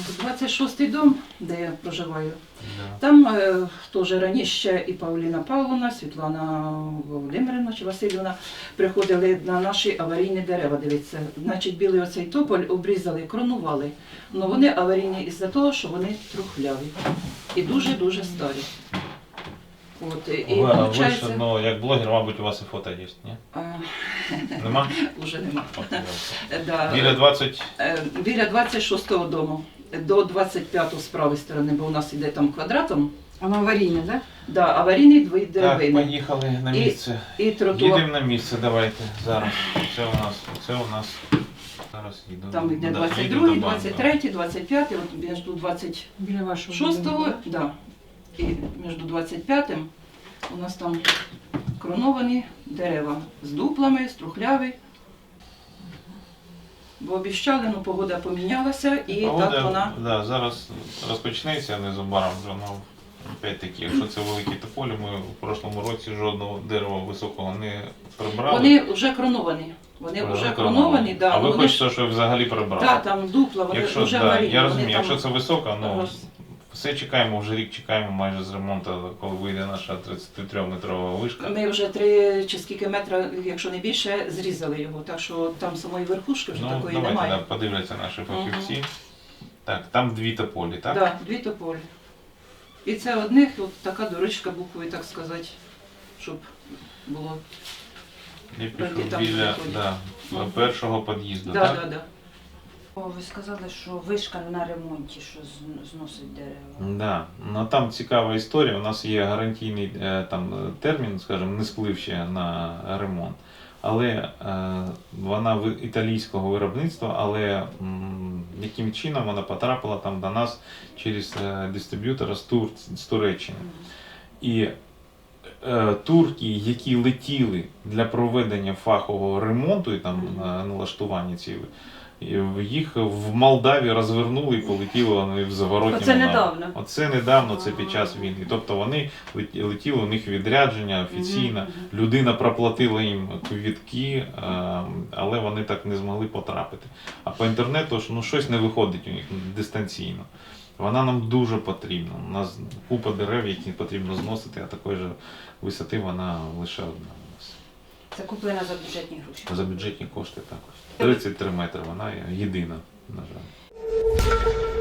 26-й дом, де я проживаю. Да. Там теж раніше і Павліна Павловна, Світлана Володимирівна чи Васильівна приходили на наші аварійні дерева дивитися. Значить, білий оцей тополь обрізали, кронували. Але вони аварійні із-за того, що вони трухляві і дуже-дуже старі. От, і Ви ж, ну, як блогер, мабуть, у вас і фото є, ні? Нема? Уже нема. От, Да. Біля 26-го дому. До 25-го з правої сторони, бо у нас іде там квадратом. Воно аварійне, так? Да, аварійний дві Так, деревини. поїхали на місце. І тротуар. Їдемо на місце, давайте, зараз. Це у нас, зараз їду. Там йде Да, 22-й, їду до банку. 23-й, 25-й, от між 26-го, Біля вашого будинку, да, і між 25-м у нас там кроновані дерева з дуплами, струхляві. Бо обіщали, ну погода помінялася і Погода, так вона. да, зараз розпочнеться незабаром вже, ну, опять-таки, якщо це великі тополі, ми в прошлому році жодного дерева високого не прибрали. Вони вже кроновані. Вони вже кроновані, да. А ви вони хочете, щоб взагалі прибрали? Так, там дупла, вони Якщо, вже да, аварійні. я вони розумію, там якщо це високо, ну, роз- все чекаємо, вже рік чекаємо майже з ремонту, коли вийде наша 33-метрова вишка. Ми вже 3 чи скільки метра, якщо не більше, зрізали його, так що там самої верхушки вже Ну, такої давайте, немає. да, подивляться наші фахівці. Так, там дві тополі, так? Так, дві тополі. І це одних от така дорожка буквою, так сказати, щоб було. Я Пройти пішов там біля, виходять. да, Мгм. першого під'їзду, Да, так? да, да. Ви сказали, що вишка на ремонті, що зносить дерева. Да. Ну, там цікава історія. У нас є гарантійний термін, скажімо, не сплив ще на ремонт. Але вона італійського виробництва, але яким чином вона потрапила там до нас через дистриб'ютора з Туреччини. І турки, які летіли для проведення фахового ремонту і там налаштування цієї, їх в Молдаві розвернули і полетіли вони в заворотньому Оце напрямку. недавно? Оце недавно, це під час війни. Тобто вони летіли, у них відрядження офіційно, людина проплатила їм квитки, але вони так не змогли потрапити. А по інтернету ж, ну, щось не виходить у них дистанційно. Вона нам дуже потрібна. У нас купа дерев, які потрібно зносити, а такої ж висоти вона лише одна у нас. Це куплена за бюджетні гроші. За бюджетні кошти також. 33 метри, вона єдина, на жаль.